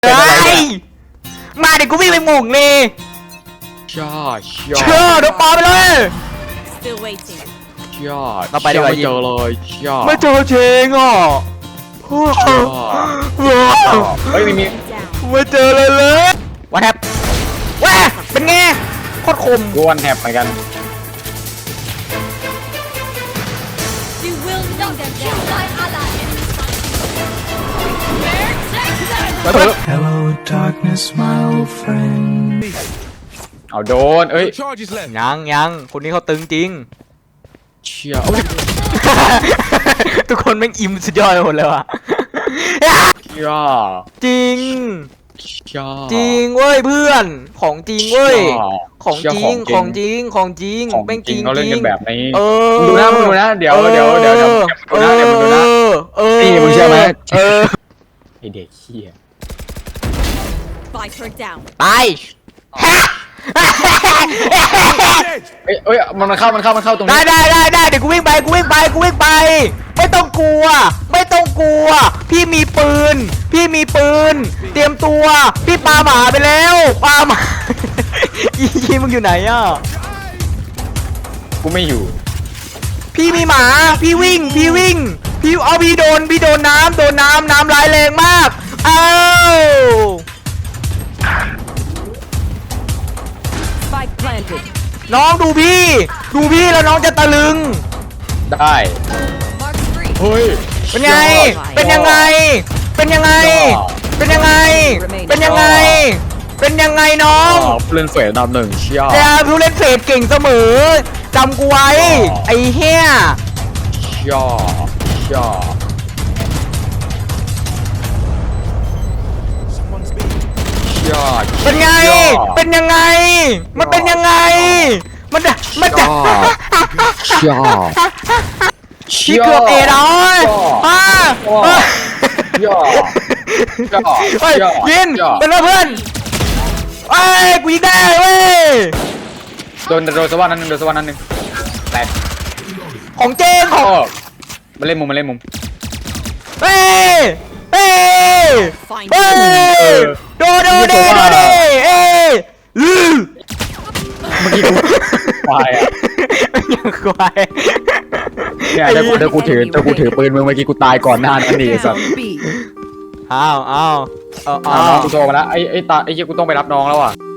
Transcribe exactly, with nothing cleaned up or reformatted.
เฮ้ยมาเดี๋ยวกูวิ่งไปหม่งเลยช่อช่อเชื่อเดี๋ยวปาไปเลย Still waiting. ช่อเราไปดีกว่าไม่เจอเลยช่อไม่เจอเชงอ่ะช่อเฮ้ยไม่มี Down. ไม่เจอเลยเลยวันแทบว้าเป็นไงโคตรคมกูวันแทบเหมือนกัน You will not kill my ally. ไปเถอะ Hello, darkness, my old friend. เอาโดนเอ้ย Charges left. ยังยังคนนี้เขาตึงจริงเชี่ยโอ้ยทุกคนแม่งอิ่มสุดยอดไปหมดเลยว่ะเชี่ยจริงเชี่ยจริงเว้ยเพื่อนของจริงเว้ยของเชี่ยจริงของจริงของจริงของแม่งจจริริงงเขาเล่นจริกังนแบบนี้เออมึงดูนะมึงดูนะเดี๋ยวเดี๋ยวเดี๋ยวเดี๋ยวมึงดูนะเดี๋ยวมึงดูนะเออนี่มึงเชื่อไหมเออไอเด็กเชี่ย Fight her down. ตายเอ้ยเอ้ยมันมันเข้ามันเข้ามันเข้าตรงได้นี้ได้ได้ได้เดี๋ยวกูวิ่งไปกูวิ่งไปกูวิ่งไป ไม่ต้องกลัว ไม่ต้องกลัว พี่มีปืน พี่มีปืน เตรียมตัว พี่ปาหมาไปแล้วปาหมา อียีมึงอยู่ไหนอ่ะกูไม่อยู่พี่มีหมา พี่วิ่ง พี่วิ่ง พี่เอาพี่โดน พี่โดนน้ำโดนน้ำน้ำร้ายแรงมาก เอ้า Spike planted. น้องดูพี่ ดูพี่แล้วน้องจะตะลึงได้ Mark three. เฮ้ยเป็นไง เป็นยังไง เป็นยังไง เป็นยังไง เป็นยังไง เป็นยังไงน้ออ๋อง เล่นเฟสอันดับหนึ่งเชี่ยแต่ผู้เล่นเฟสเก่งเสมอจำกูไว้ ไอ้เหี้ยเชี่ยเชี่ย Someone's been. เชี่ยเป็นไง เป็นยังไง มันเป็นยังไง มันจะมันจะเชี่ยพี่เกือบเอร้อยอ่าเชี่ยเฮ้ยยินเป็นเพื่อนเอ้ยกูยิงได้เว้ยโดนโดนสวรรค์นั้นหนึ่งโดนสวรรค์นั้นหนึ่งแตกของเจงของโอ้มาเล่นมุมมาเล่นมุมเฮ้ยเฮ้ย Find เฮ้ยโดโดเดโดเดเอ้ยลือเมื่อกี้กูควายอ่ะยังควายเนี่ยเดี๋ยวกูเดี๋ยวกูถือเดี๋ยวกูถือปืนมึงเมื่อกี้กูตายก่อนหน้านั้นนี่ไอ้สัส down B. อ้าวอ้าวเอาอ้าอ้าว วน้องกูโทรมาแล้วไอ้ไอ้ตาไอ้เหี้ยกูต้องไปรับน้องแล้วอ่ะ